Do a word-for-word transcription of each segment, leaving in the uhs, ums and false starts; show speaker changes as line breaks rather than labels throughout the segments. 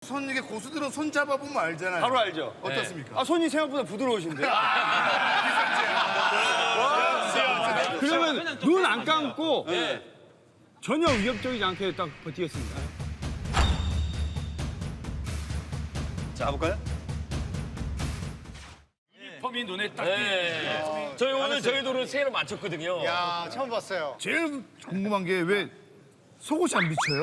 손 이게 고수들은 손 잡아보면 알잖아요.
바로 알죠.
어떻습니까?
아, 손이 생각보다 부드러우신데. 그러면 눈 안 감고 전혀 위협적이지 않게 딱 버티겠습니다.
자, 가볼까요?
펌이 눈에 딱
네. 저희 오늘 저희도 오늘 새해를 맞췄거든요.
야, 처음 봤어요.
제일 궁금한 게 왜 속옷이 안 비쳐요?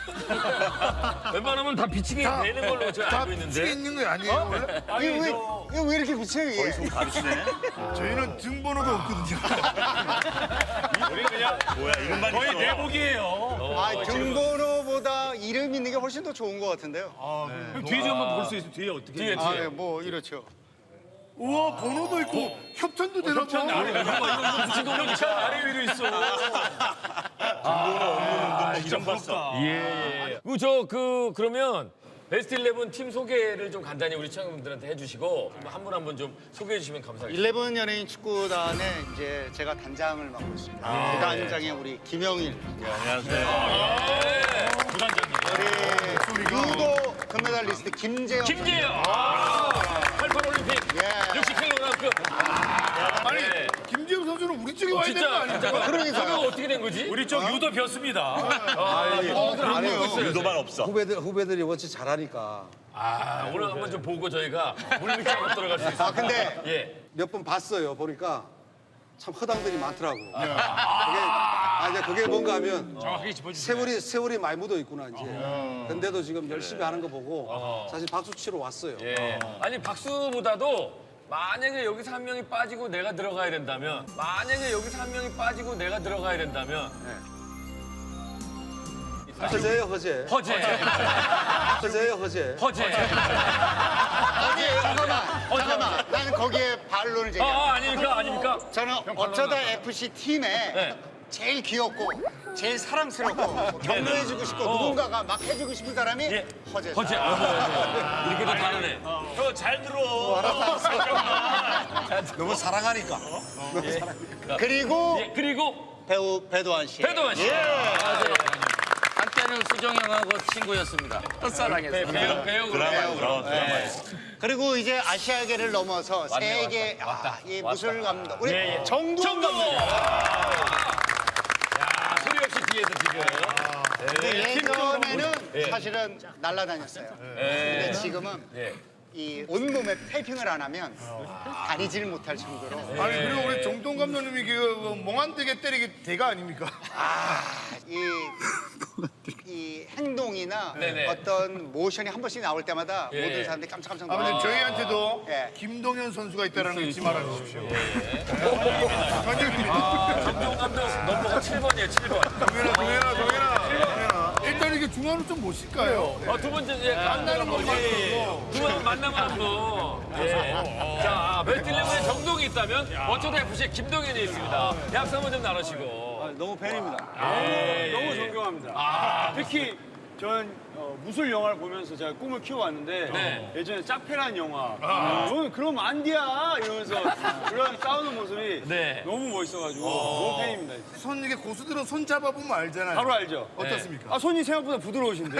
웬만하면 다 비치게 되는 걸로 제가
다
알고
비치게
있는데.
있는 거 아니에요 원래?
이거 왜, 이거 왜 이렇게 비쳐요, 이게?
가르치네.
저희는 등번호가 없거든요.
우리 그냥
뭐야, 이름만
거의
있어.
내복이에요.
아, 등번호보다 이름 있는 게 훨씬 더 좋은 것 같은데요.
그럼 뒤에 좀 한번 볼 수 있어요. 뒤에 어떻게?
뒤에
아,
뒤에.
네, 뭐 이렇죠.
우와 번호도 있고 협찬도 되나 봐.
협찬 아래 이거 이거 붙인 거 보니까 아래 위로 있어.
좀 봤어.
예. 그저그 그러면 베스트 일레븐 팀 소개를 좀 간단히 우리 시청자분들한테 해주시고 한 분 한 분 좀 소개해 주시면 감사하겠습니다.
일레븐 연예인 축구단에 이제 제가 단장을 맡고 있습니다. 그 단장에 우리 김영일,
안녕하세요.
부단장님.
우리 유도 금메달리스트 김재영.
김재영. 아, 팔십팔 올림픽.
예.
육십 킬로그램급.
아니
네.
김지영 선수는 우리 쪽에 와야 되는 거
진짜
아니야?
진짜.
그러니까요.
그거 어떻게 된 거지?
우리 쪽 유도 벼습니다.
유도만 없어.
후배들 후배들이 워낙 잘하니까
아, 오늘 한번 좀 보고 저희가 물밑에 한번 들어갈 수 있어요.
아, 근데
예.
몇 번 봤어요. 보니까 참 허당들이 많더라고. 그게 아 이제 그게 뭔가 하면
정확하게 짚어주세요.
세월이 세월이 많이 묻어 있구나 이제. 근데도 지금 열심히 하는 거 보고 사실 박수 치러 왔어요.
예. 아니 박수보다도 만약에 여기서 한 명이 빠지고 내가 들어가야 된다면 만약에 여기서 한 명이 빠지고 내가 들어가야 된다면
허재예요 허재.
허재.
허재예요 허재.
허재.
아니, 잠깐만, 잠깐만. 나는 거기에 반론을
아,
제기합니다.
아 아닙니까? 아닙니까?
저는 어쩌다 에프씨 팀에
네.
제일 귀엽고 제일 사랑스럽고 뭐 격려해주고 싶고 누군가가 막 해주고 싶은 사람이
예.
허재.
허재. 아, 이렇게도 다르네.
형, 잘 들어.
너무 사랑하니까.
그리고
예, 그리고
배우 배도환 씨.
배동환 씨.
한때는 수정 형하고 친구였습니다. 첫사랑에서.
배우 배우
드라마,
배우.
드라마, 드라마.
그리고 이제 아시아계를 넘어서 세계 아, 이 무술 감독 우리
예, 예.
정두원
정동호.
감독.
야, 소리 없이 뒤에서 지금.
근데 예전에는
예.
사실은 날라다녔어요. 근데 지금은
예.
이 온몸에 테이핑을 안 하면 다니질 못할 정도로
아니 그리고 우리 정동 감독님이 그 몽환되게 때리기 대가 아닙니까?
이, 이 행동이나
네네.
어떤 모션이 한 번씩 나올 때마다
예.
모든 사람들이 깜짝깜짝
아
놀라요.
근데 저희한테도
예.
김동현 선수가 있다는 거 잊지 말아 주십시오.
정동 감독 넘버가 칠 번이에요, 칠 번.
동현아 동현아 동현아 동현아. 일단 이게 중앙으로 좀 모실까요?
어, 두 번째 이제 만나는 거지. 두 번 만나면 한 번. 예. 자, 벨틸레몬에 정동이 있다면 어쩌다 에프씨에 김동현이 있습니다. 약속 한번 좀 나누시고.
너무 팬입니다.
예,
너무
예.
존경합니다. 특히 전 어, 무술 영화를 보면서 제가 꿈을 키워왔는데
네.
예전에 짝패라는 영화 저는 그럼 안디야 이러면서 그런 싸우는 모습이
네.
너무 멋있어가지고 너무 팬입니다.
손 이게 고수들은 손 잡아보면 알잖아요.
바로 알죠.
어떻습니까?
아 손이 생각보다 부드러우신데.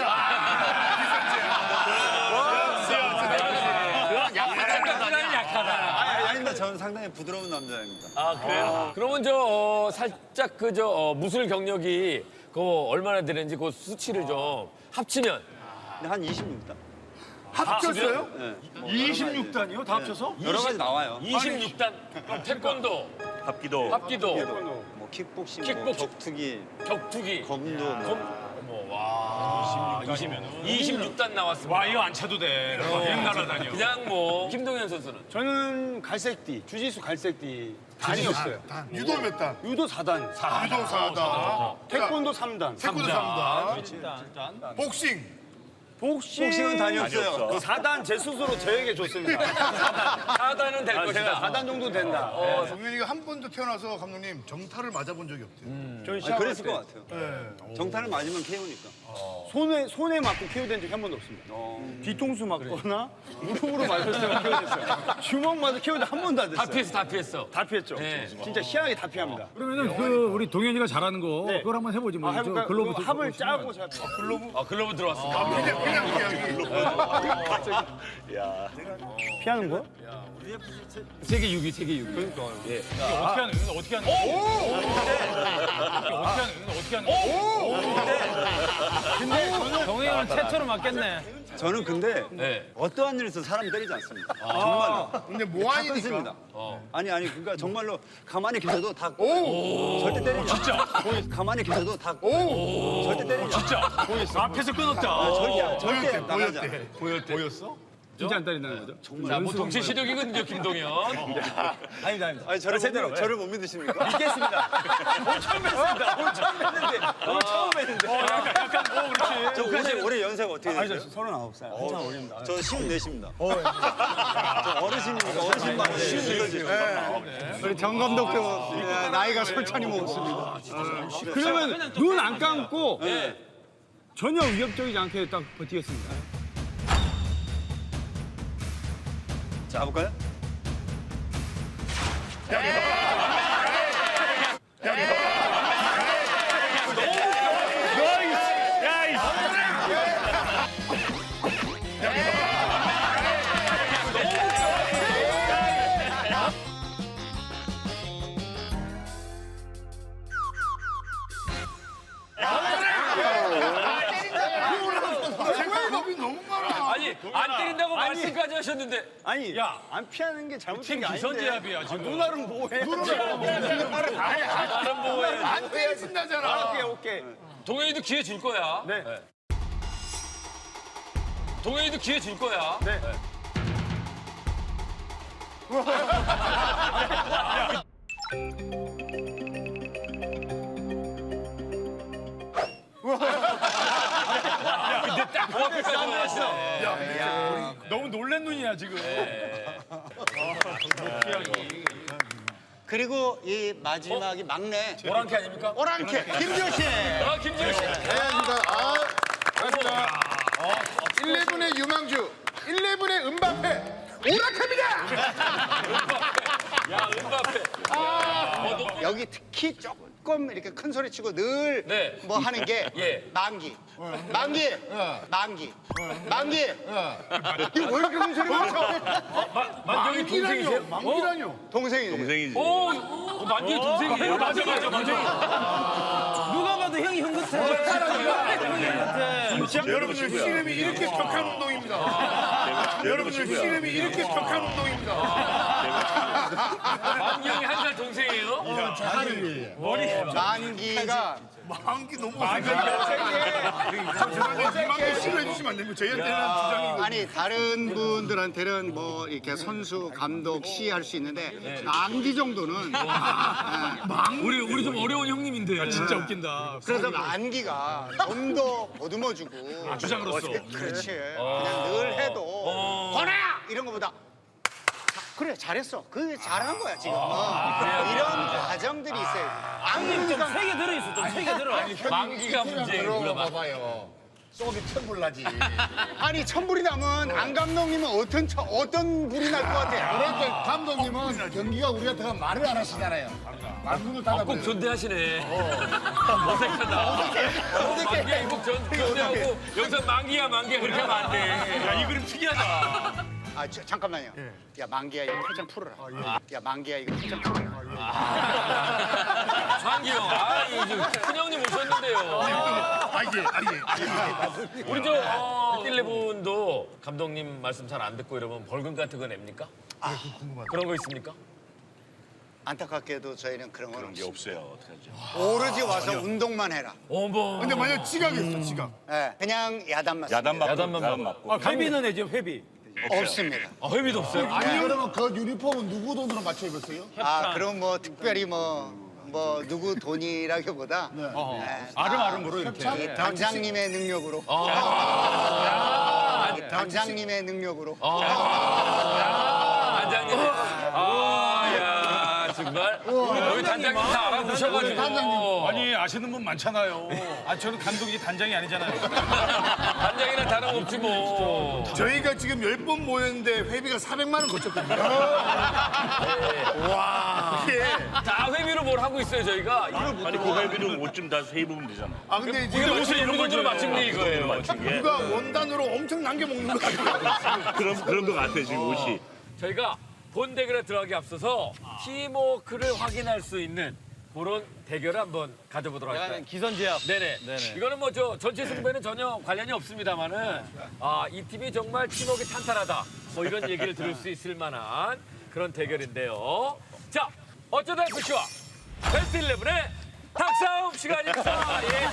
상당히 약하다.
아닙니다. 저는 상당히 부드러운 남자입니다.
아, 그래요? 그러면 저, 어, 살짝 그, 저, 어, 무술 경력이 그 얼마나 되는지 그 수치를 좀 합치면.
한 이십육 단.
합쳤어요?
이십육 단이요? 다 합쳐서?
여러 가지 나와요.
이십육 단. 그럼 태권도,
합기도,
합기도,
뭐 킥복싱,
킥복싱.
뭐 격투기,
격투기.
검도, 뭐.
검, 어머, 와. 이십육 단 나왔습니다.
와 이거 안 차도 돼. 그냥 날아다녀.
그냥 뭐, 김동현 선수는.
저는 갈색띠, 주짓수 갈색띠 단이었어요.
단. 유도 몇 단?
유도 사 단,
유도 사 단.
태권도 삼 단,
태권도 삼 단. 복싱.
복싱,
복싱은 단이 없어요.
사 단 제 스스로 저에게 줬습니다.
사 단은 될
제가
것이다.
사 단 정도 된다.
어, 동현이가 한 번도 태어나서 감독님 정타를 맞아본 적이 없대요.
저는
아니,
시합할
그랬을
때
것 같아요.
네.
정타를 맞으면 케이오니까.
손에 손에 맞고 케어된 적이 한 번도 없습니다. 뒤통수 맞거나 무릎으로 맞았을 때만 케어됐어요. 주먹 맞아 케어된 한 번도 안
다
됐어요.
피했어, 다 피했어.
다 피했죠.
네.
진짜 희한하게 다 피합니다.
그러면은 그 우리 동현이가 잘하는 거
네.
그걸 한번 해보지 뭐.
아, 해볼까요?
글로브
그거
들고
합을
오시면.
짜고 제가
아, 글러브 들어왔습니다.
근데 그냥 그냥.
피하는 거야?
세계 육 위, 세계 육 위.
어떻게 하는 거야? 어떻게 하는 거야? 어떻게 하는 거야? 어떻게 하는 거야?
동해 형은 최초로 맞겠네.
저는 근데
네.
어떠한 일에서 사람 때리지 않습니다. 정말로.
근데
다
모아이니까.
끊습니다. 아니 아니 그러니까 정말로 가만히 계셔도 다 절대 때리지 않아요. 진짜. 가만히 계셔도 다 절대 때리지 않아요.
진짜. 앞에서 끊었다.
절대 절대
보였대,
나가지 않아요.
보였대. 보였어?
진짜 안 때린다는 거죠?
자, 뭐 동시 시력이거든요, 김동현.
아닙니다, 아닙니다.
아니 저를 못, 믿- 저를 못 믿으십니까?
믿겠습니다. 오늘 처음 뵀습니다. 오늘 처음 뵀는데. 오늘 처음 뵀는데.
약간 어 그렇지.
저 올해 올해 연세가 어떻게
아니,
되세요?
저 서른아홉 살. 한참 어립니다.
저 스물넷입니다. 저 어르신입니까? 어르신 말에 쉬운
우리 정 감독도 예, 나이가 솔찬히 먹었습니다. 그러면 눈 안 감고 전혀 위협적이지 않게 딱 버티겠습니다.
자, 가볼까요?
생각이 너무 너무 많아.
아니, 안 때린다고 말씀까지 하셨는데.
아니, 야, 안 피하는 게 잘못된
팀
게 아닌데.
기선제압이야 지금.
누나는 뭐해?
다른 뭐에.
안 때리신다잖아.
오케이, 오케이.
동현이도 기회 줄 거야.
네.
동현이도 기회 줄 거야.
네.
그 앞에까지 왔어.
너무 놀란 눈이야 지금.
그리고 이 마지막이 막내
오랑캐 아닙니까?
오랑캐 김조신.
아, 김지효 씨.
안녕하십니까. 아, 반갑습니다. 일레븐의 유망주, 일레븐의 은바페, 오락합니다.
야, 은바페.
여기 특히 조금 이렇게 큰 소리 치고 늘 뭐
네.
하는 게
예.
만기. 만기. 만기. 만기. 이거 왜 이렇게 큰 소리가 쳐?
만경이 동생이세요?
만기라뇨.
동생이지.
오, 어, 만경이 동생이에요? 맞아, 맞아, 맞아.
누가 봐도 형이 형 같아.
여러분들 씨름이 이렇게 격한 운동입니다. 여러분들 씨름이 이렇게 격한 운동입니다.
만경이 한 살 동생이에요?
만기가
만기 너무 어색해. 죄송한데 만기 씨름해 주시면 안 됩니다. 저희한테는 주장이고.
아니 다른 분들한테는 뭐 이렇게 선수, 감독, 시 할 수 있는데 만기 정도는
우리, 우리 좀 어려운 형님인데.
진짜 웃긴다.
그래서 만기가 좀 더 보듬어주고
주장으로서.
그렇지 그냥 늘 해도 권아야 이런 거보다 자, 그래 잘했어 그게 잘한 거야 지금 어. 이런 과정들이 있어요 만기가
세개 들어있어, 좀 세 개 들어.
만기가 문제예요.
봐봐요. 속이 천불 나지.
아니 천불이 나면 안 감독님은 어떤 처- 어떤 불이 날 것 같아
그럴 때 감독님은 경기가 우리한테 가면 말을 안 하시잖아요. 말문을
꼭
닫아버려요.
존대하시네. 어색하다. 만기야, 꼭 존- 존대하고 여기서 만기야, 만기야 그렇게 하면 안 돼.
야 이 그림 특이하다.
아 저, 잠깐만요 야 만기야 이거 팔짱 풀어라 야 만기야 이거 팔짱 풀어라
만기 형, 아, 이거 큰 형님 오셨는데요.
아 이게 아 이게.
우리 저 어, 일레븐도 감독님 말씀 잘 안 듣고 이러면 벌금 같은 거 냅니까? 그런 거 있습니까?
안타깝게도 저희는 그런 건 없어요
없어요. 어떡하죠?
오로지 와서 운동만 해라
어머.
근데 만약 지각했어 지각.
예, 그냥 야단만
야단 맞고
야단만
야단
맞고.
맞고.
회비는 내죠, 회비.
없습니다
아, 회비도 없어요?
아니 그러면 그 유니폼은 누구 돈으로 맞춰 입었어요?
아 그럼 뭐 특별히 뭐 뭐 누구 돈이라기보다 네.
아름아름으로 이렇게.
이 단장님의 능력으로
아,
이 단장님의 능력으로
반장님. 아, 야, 정말. 정말 우리 단장님 다 알아보셔가지고.
아니 아시는 분 많잖아요. 아 저는 감독이 단장이 아니잖아요.
단장이랑 다름없지 뭐.
저희가 지금 열 번 모였는데 회비가 사백만 원 거쳤거든요. 와. 예.
다 회비로 뭘 하고 있어요 저희가.
아니 그 회비를 옷좀 다 세입으면 되잖아.
아 근데
이게
지금
무슨 이런 걸 맞춘 게 이거예요.
누가 원단으로 엄청 남겨 먹는 거 아니야?
그런 그런 거 같아 지금 옷이.
저희가 본 대결에 들어가기 앞서서 팀워크를 확인할 수 있는 그런 대결을 한번 가져보도록 할까요?
기선제압.
네네. 이거는 뭐 저 전체 승부에는 전혀 관련이 없습니다만은 아, 이 팀이 정말 팀워크가 탄탄하다. 뭐 이런 얘기를 들을 수 있을 만한 그런 대결인데요. 자, 어쩌다 에프씨와 베스트 일레븐의 닭싸움 시간입니다. 예.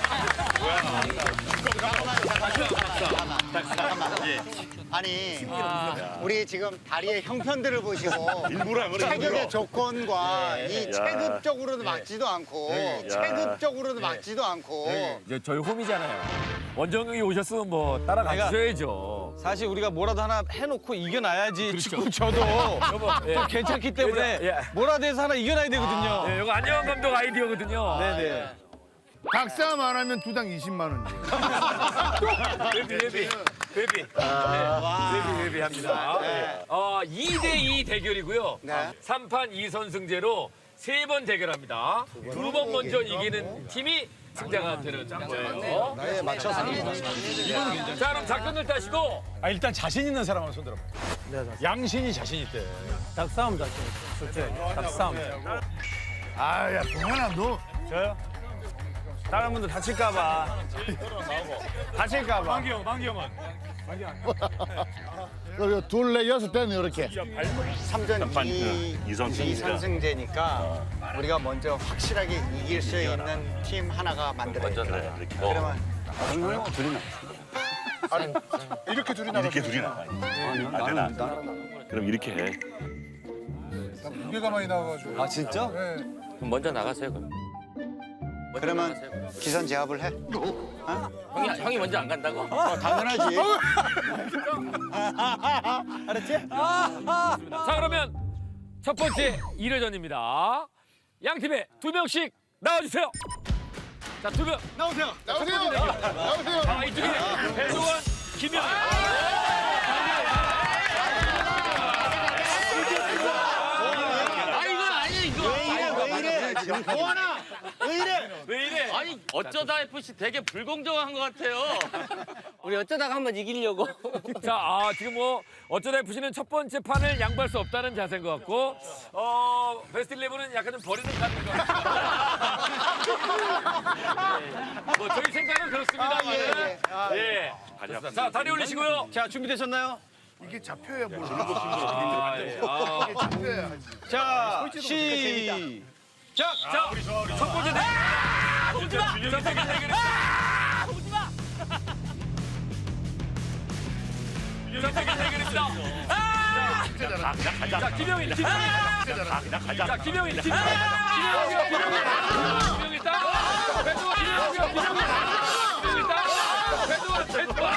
아니 우리 지금 다리의 형편들을 보시고
일부러 안 그래,
체격의
일부러.
조건과 이
야.
체급적으로도 막지도 않고 체급적으로도 막지도 않고
이제 저희 홈이잖아요. 원정이 오셨으면 뭐 따라가 주셔야죠.
사실 우리가 뭐라도 하나 해놓고 이겨놔야지 축구 저도
예.
또 괜찮기 때문에
예.
뭐라도 해서 하나 이겨놔야 되거든요.
네, 이거 안녕한 감독 아이디어거든요.
네네.
닭싸움 안 하면 두당 이십만 원.
회비, 회비, 회비. 네, 회비, 회비 합니다. 어, 이 대 이 대결이고요.
네.
삼 판 이 선승제로 세 번 대결합니다. 두 번 먼저 이기는 팀이 승자가 되는 거예요.
나에 맞춰서
자, 그럼 작전을 따시고
아 일단 자신 있는 사람만 손들어. 양신이 자신 있대.
닭싸움 자신. 좋지. 닭싸움.
아야 동현아 너.
저요? 다른 분들 다칠까봐. 다칠까봐.
만기 형, 만기 형은.
그리고 둘레 여섯 대는 이렇게.
삼전
판,
이
그 이선승제니까.
이선승제니까 우리가 먼저 확실하게 이길 수 있는 팀 하나가 만들어야 돼.
그래 이렇게.
그러면
이렇게 둘이 나가.
이렇게 둘이 나가. 아, 되나? 그럼 이렇게 해.
무게가 많이 나와가지고.
아 진짜?
그럼 먼저 나가세요 그럼. 먼저
그러면
나가세요.
기선 제압을 해.
형이 형이 먼저 안 간다고?
어, 당연하지.
자, 그러면 첫 번째 일 회전입니다. 양 팀에 두 명씩 나와주세요. 자, 두 명.
나오세요.
나오세요. 나오세요.
아, 이쪽에 배동원, 김영.
아 이건 아니 이거.
왜 이래? 보아나 왜 이래?
왜 이래?
아니 어쩌다 에프씨 되게 불공정한 것 같아요. 우리 어쩌다가 한번 이기려고.
자, 아, 지금 뭐 어쩌다 에프씨는 첫 번째 판을 양보할 수 없다는 자세인 것 같고, 어, 베스트 일레븐은 약간 좀 버리는 카드인 것 같아요. 네. 뭐 저희 생각은 그렇습니다만,
아, 예, 예. 아,
예. 좋습니다. 자, 다리 올리시고요.
자 준비되셨나요?
이게 잡혀야 뭘.
아, 예. 아.
이게 잡혀야.
자 시작.
자, 첫 번째 대결. 오지 마. 첫 번째 대결. 오지 마. 첫 번째 대결입니다. 아! 자, 김영인, 김영인. 자, 김영인, 김영인. 김영인, 김영인. 김영인 따. 배두원, 김영인, 김영인. 김영인 따. 배두원, 배두원.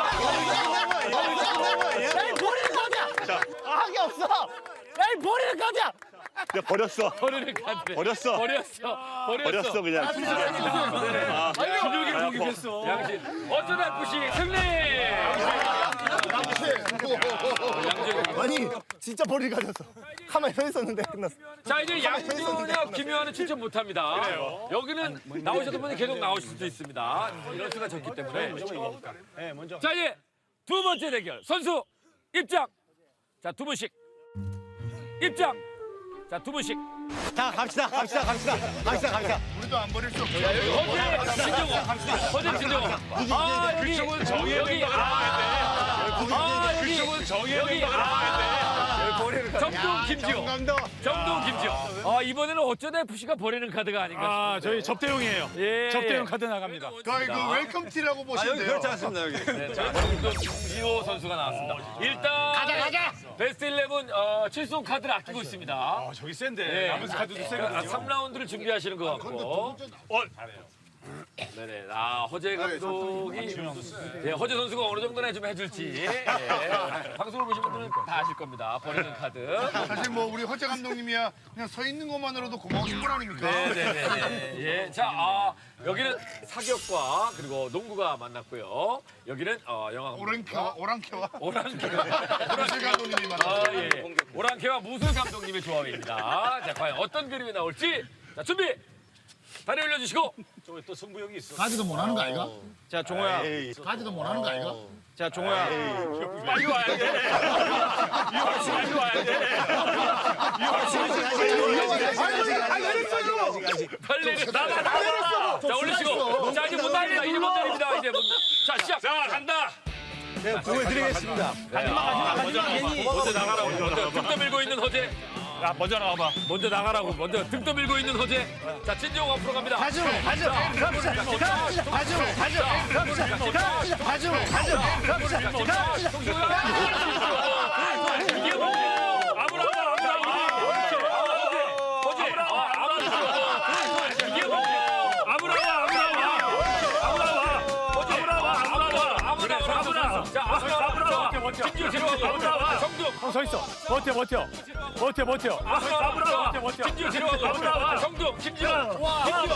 에이 버리는 거냐? 하기 없어. 에이 버리는 거냐?
내가 버렸어.
버리는 카드.
버렸어.
버렸어. 버렸어.
버렸어 그냥. 아,
김영인 공격했어. 양신. 어쩌다 에프씨 승리.
아니 진짜 머리 가졌어. 가만히 서 있었는데 끝났어.
자, 이제 양준혁, 김효환은 추천 못합니다. 여기는 나오셨던 분이 계속 나오실 수도 있습니다. 이런 수가 적기 때문에. 자, 이제 두 번째 대결 선수 입장. 자, 두 분씩 입장. 자, 두 분씩.
자 갑시다. 갑시다. 갑시다. 갑시다. 갑시다.
우리도 안 버릴 수 없어.
허재 진정호. 허재 진정호. 아, 여기 여기 여기. 아, 여기 여기. 아, 정동 김지호. 정동 김지호. 아, 이번에는 어쩌다 에프씨가 버리는 카드가 아닌가
아
싶은데.
저희 접대용이에요.
예,
접대용
예.
카드 나갑니다.
거의 그 웰컴 티라고 보시면 돼요.
그렇지 않습니다 여기.
네, 자, 정동 김지호 선수가 나왔습니다. 일단 가자 가자. 베스트 일레븐 어, 칠성 카드를 아끼고 있습니다.
아 저기 센데.
예.
남은 카드도
아,
세거든요.
삼 라운드를 준비하시는 것 같고. 네네. 아, 허재 감독이 예, 허재 선수가 어느 정도나 좀 해줄지 예, 방송을 보신 분들은 다 아실 겁니다. 버리는 카드.
사실 뭐 우리 허재 감독님이야 그냥 서 있는 것만으로도 고마우신 분 아닙니까?
네네네. 예, 자, 아, 여기는 사격과 그리고 농구가 만났고요. 여기는 어, 영화
오랑캐와 오랑캐와
오랑캐와
허재 감독님이
아,
만났어요.
예. 오랑캐와 무술 감독님의 조합입니다. 자, 과연 어떤 그림이 나올지. 자, 준비. 다리 올려주시고.
가지도 못하는 거 아이가?
자, 종호야.
가지도 못하는 거 아이가?
자, 종호야.
빨리 와야 돼. 빨리 와야 돼. 빨리 나가 나가. 자, 올리시고. 자, 이제 못 날립니다. 이제 못 날립니다. 이제 못. 자, 시작. 자, 간다.
네, 보여드리겠습니다.
먼저 괜히 먼저 나가라고. 먼저 등 떠밀고 있는 허재.
야, 먼저 나와봐.
먼저 나가라고. 먼저 등 떠밀고 있는 허재. 자, 진정 앞으로 갑니다.
가죠, 가죠, 갑시다, 갑시다, 가죠, 가죠, 갑시다, 갑시다, 가죠, 가죠, 갑시다,
이게 뭐야? 아무라마, 아무라마. 허재, 허재. 이게 뭐야? 아무라마, 아무라마. 아무라마. 허재, 아무라마, 아무라마, 아무라마, 아무라마. 자, 아무라마. 진주 들어가고. 아무라마. 정동.
형 서 있어. 버텨, 버텨. 버텨, 버텨.
아무라마.
버텨, 버텨.
진주 들어가고. 아무라마. 정동. 김지영. 김지영.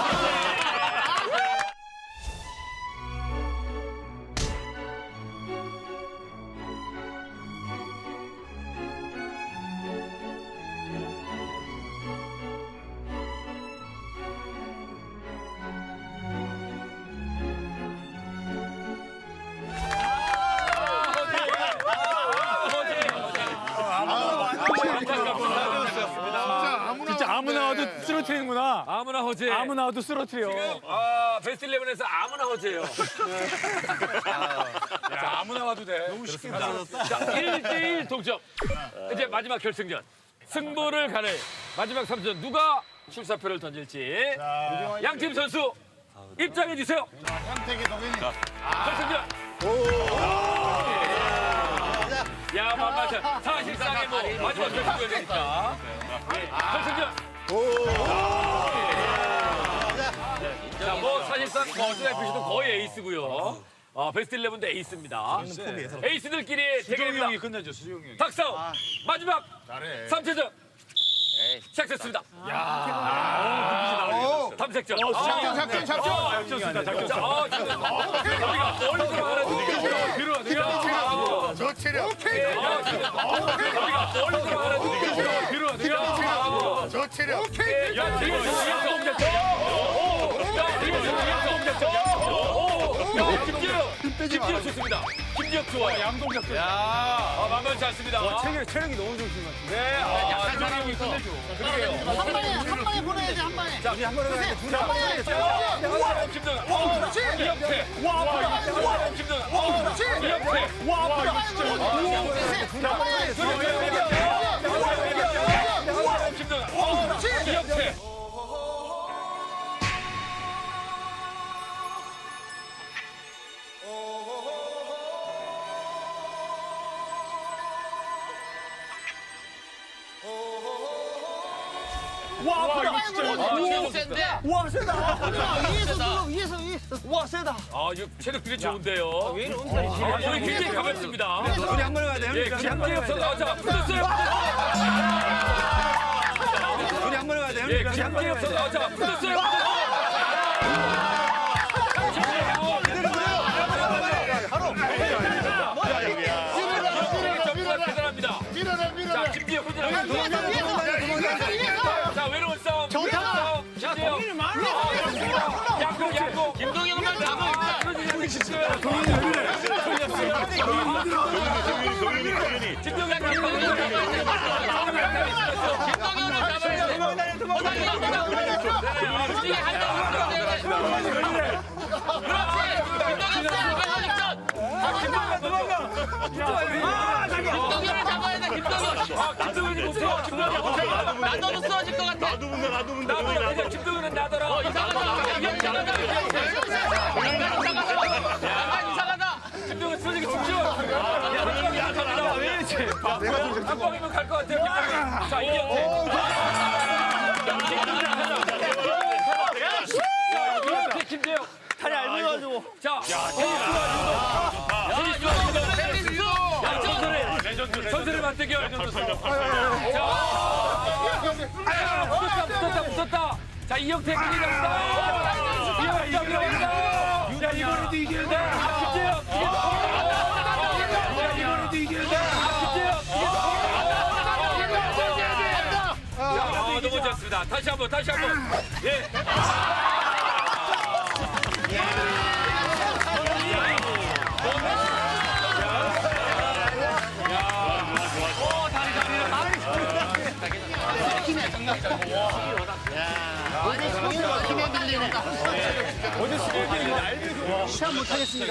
진짜 아무 나와도 쓰러뜨리는구나.
아무나 허재.
아무 나와도 쓰러뜨려.
아, 베스트 십일에서 아무나 허재예요.
야, 아무 나와도 돼.
자, 일 대일 동점. 이제 마지막 결승전. 승부를 가를 마지막 삼 전 누가 출사표를 던질지. 양팀 선수 입장해 주세요.
황택의 덕인이.
결승전. 야, 만만치 사실상의 뭐 마지막 결승전이 되니까. 결승전. 자, 뭐 사실상 뭐 어찌됐든 거의 에이스고요. 어, 베스트 십일도 에이스입니다. 에이스들끼리 대결입니다.
형이 끝내줘, 수종이 형이.
탁싸움 마지막 삼 차전 시작됐습니다. 탐색전.
작전 작전 작전.
작전 작전.
자, 어, 지금 우리가 멀리 들어가는 들어 들어
저 체력.
우리가 멀리 들어가는 들어 들어
저 체력.
야, 지금 김지혁 김지혁 좋습니다. 김지혁 좋아요.
양동 작전.
아, 만만치 않습니다.
체력, 체력이 너무 좋으신 것 같은데.
네, 아, 조정이 끝내줘. 그러게요.
한 방에, 한 방에 보내야지, 한 방에.
자, 한 번에 가야 돼. 한 번에 가야 돼. 김정은. 어, 그렇지. 이혁태. 와, 아프다. 김정은. 어, 그렇지. 이혁태. 와, 아프다. 진짜. 한 번에 김정은. 어, 그렇지. 이혁태.
와, 아프다. 진짜.
센데?
와, 세다. 위에서 눌러, 위에서, 위에서. 와, 세다.
아, 이거 체력들이 좋은데요. 왜 이런 엄살이 아, 오늘 굉장히 가볍습니다.
우리 한 번에 가야 돼.
예, 김지혁 선수 자, 붙었어요.
우리 한 번에 가야 돼.
예, 김지혁 선수 자, 붙었어요. 대단합니다.
밀어내 밀어내.
자, 김지혁 혼자 자, 외로운 싸움.
좋다.
김지혁. 양궁, 양궁.
김동현만 잡아 있다.
김동현이 김동현이
김동현을 잡아야 돼. 이게 한다고 그래야 돼. 그렇지. 김동현을 잡아야 돼. 김동현.
아, 김동현이 못해요. 김동현이 못해요.
나도 쓰러질 것 같아.
나도 문다 나도 문다.
나더라. 이제 김동현은 나더라.
어, 이상하다. 이게 이상하다. 약간 이상하다. 약간 이상하다.
김동현 쓰러지기 직전. 야, 갑니다. 왜 이러지? 한 방이면 갈 것 같아요. 김동현. 자, 이게 자, 테니스와 유도.
테니스.
야, 선수를 선수를 맞대결. 자, 붙었다, 붙었다, 붙었다. 자, 이영태 큰일 났다. 이영태 이겼다. 자, 이번에도 이겨야 돼. 김재혁 이겼다. 이번에도 이겨야 돼. 김재혁 이겼다. 아, 너무 좋습니다. 다시 한번, 다시 한번. 예.
아니 성인과 힘에 밀리네. 시합 못하겠습니다.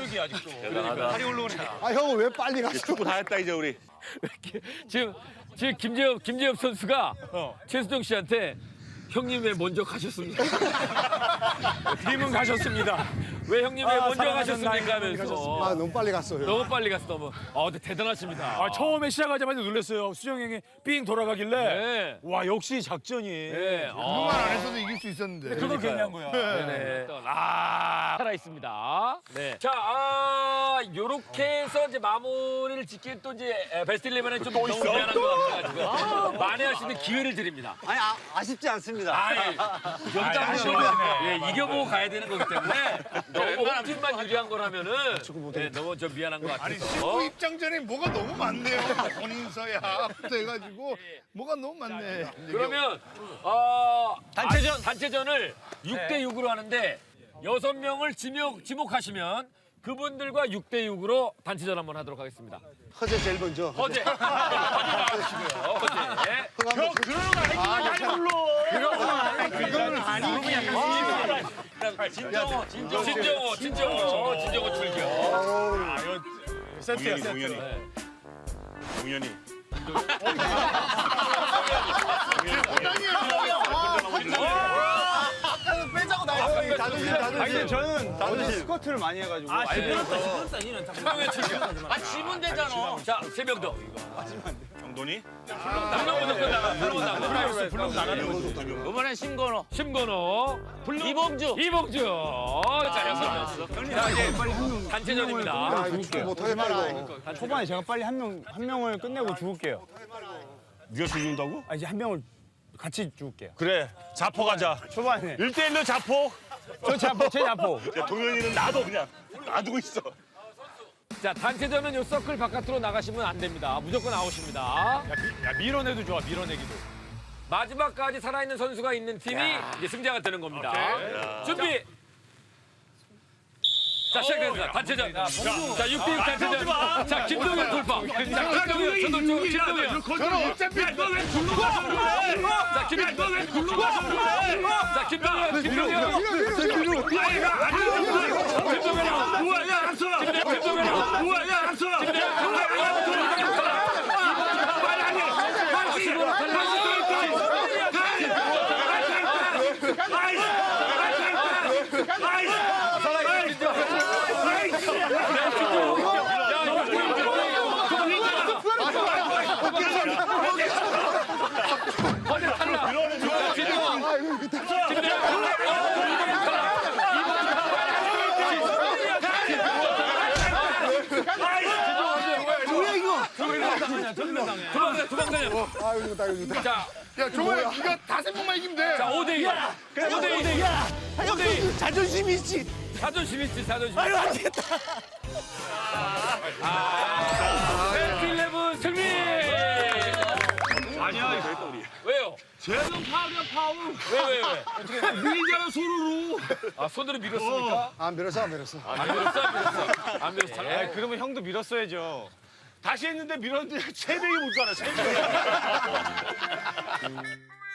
아 형은 왜 빨리 갔어?
축구 다 했다 이제 우리.
지금 지금 김재엽 김재엽 선수가 최수정 씨한테 형님 왜 먼저 가셨습니까? 님은 가셨습니다. 왜 형님 왜 먼저 가셨습니까? 하면서
아 너무 빨리 갔어요.
너무 빨리 갔어 너무. 아 근데 대단하십니다.
아, 처음에 시작하자마자 놀랐어요. 수정 형이 삥 돌아가길래.
네.
와, 역시 작전이.
네.
그만 안 했어도 이길 수 있었는데.
그걸 괜히 한 거야.
네네. 아 살아 있습니다. 네. 자, 아 요렇게 해서 이제 마무리를 짓기엔 또 이제 베스트 일레븐에 좀 너무 미안한 것 같아가지고 만회할 수 있는 기회를 드립니다.
아니 아, 아쉽지 않습니다.
아이, 여기까지 예, 이겨보고 가야 되는 거기 때문에 너무 홈팀만 유리한 거라면은 네, 너무 좀 미안한 것
아니
같아요.
신부 입장전에 뭐가 너무 많네요. 본인서야부터 해가지고 뭐가 너무 많네.
그러면 어, 단체전 단체전을 육 대 육으로 하는데 여섯 명을 지목 지목하시면 그분들과 육 대 육으로 단체전 한번 하도록 하겠습니다.
허재 제일 먼저.
허재, 허재 나와주시고요. 허재.
형
그런 거 아니지.
그거는 아니지. 진정호, 진정호, 진정호, 진정호, 진정호 출격.
세트야,
동현이,
세트.
동현이. 동현이.
아니 근데 저는 어제 스쿼트를 많이 해가지고. 아
진정호의 출격.
아 지면 되잖아.
자, 세 명 더.
경돈이.
불러 무조건 나가. 불러 나가. 불러 나가는 거지.
이번엔 심건호.
심건호.
이봉주.
이봉주. 자, 여섯 명. 자, 이제 단체전입니다.
아 이거 축구 못하겠다 이거.
초반에 제가 빨리 한 명 한 명을 끝내고 죽을게요.
네가 죽는다고?
아 이제 한 명을 같이 죽을게요.
그래, 자포 가자.
초반에
일 대 일로 자포.
저 자포 제 자포.
야, 동현이는 놔둬 그냥. 놔두고 있어.
자, 단체전은 요 서클 바깥으로 나가시면 안 됩니다. 무조건 아웃입니다.
야, 미, 야, 밀어내도 좋아, 밀어내기도.
마지막까지 살아있는 선수가 있는 팀이 이제 승자가 되는 겁니다. 준비. 자, 시작합니다. 단체전. 자, 육 대 육 단체전. 자, 김동현 돌파. 자, 김동현 저도 김동현.
저는 어차피
자, 김동현 자, 김동현. 김동현. 자,
야 종호야 네가 다섯 명만 이기면 돼.
자, 오 대 이. 오 대 이. 오 대 이.
자존심 있지.
자존심 있지, 자존심. 아유, 안 되겠다. 아, 베스트 일레븐 승리!
아니야, 이거 했다, 우리.
왜요?
쟤는 파울이야, 파울.
왜, 왜, 왜?
밀잖아, 손으로.
아, 손으로 밀었습니까?
안 밀었어 안 밀었어.
안 밀었어, 안 밀었어. 안 밀었어.
아, 그러면 형도 밀었어야죠.
다시 했는데 밀었는데 세 명이 못 가나, 세 명이.